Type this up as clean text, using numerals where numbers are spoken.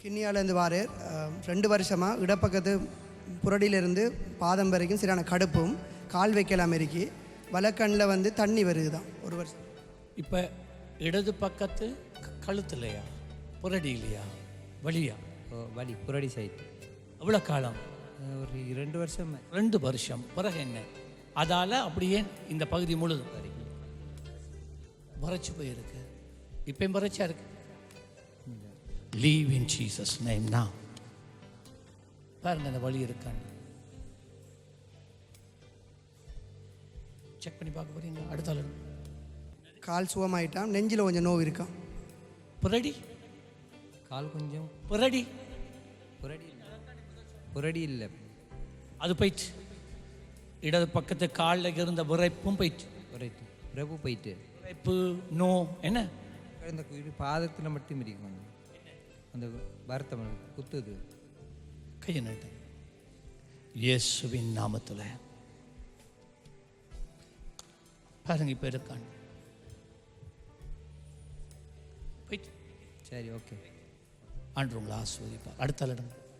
கிண்ணியாலேருந்து வாரேர் 2 வருஷமாக இடப்பக்கத்து புரடியிலிருந்து பாதம் வரைக்கும் சரியான கடுப்பும் கால் வைக்கலாம் இருக்கி வலக்கண்ணில் வந்து தண்ணி வருது தான் 1 வருஷம். இப்போ இடது பக்கத்து கழுத்துலையா புரடி இல்லையா வலியா? வலி புரடி சைட்டு. எவ்வளோ காலம்? ஒரு 2 வருஷம். 2 வருஷம். பிறகு என்ன? அதால் அப்படியே இந்த பகுதி முழுதும் வறட்சி போயிருக்கு. இப்பயும் வறட்சியாக இருக்கு. Live in Jesus name now. பாருங்க அந்த வழி இருக்கான்னு செக் பண்ணி பார்க்க போறீங்க. அடுத்த ஆள் கால் சுகமாயிட்டான், நெஞ்சில் கொஞ்சம் நோவு இருக்கான். புரடி கால் கொஞ்சம் புரடி புரடி புரடி இல்லை, அது போயிட்டு. இடது பக்கத்து காலில் இருந்த விரைப்பும் போயிட்டு. விரைப்பு விரைப்பு போயிட்டு. விரைப்பு நோ என்ன இந்த பாதத்தில் மட்டும் இருக்கும், அந்த வருத்தம் குத்துது. கையை நட்டு இயேசுவின் நாமத்தில் பாருங்க. இப்போ இருக்கான் போயிட்டு. சரி, ஓகே. ஆண்டு உங்களை ஆஸ்வதிப்பார். அடுத்த இடம்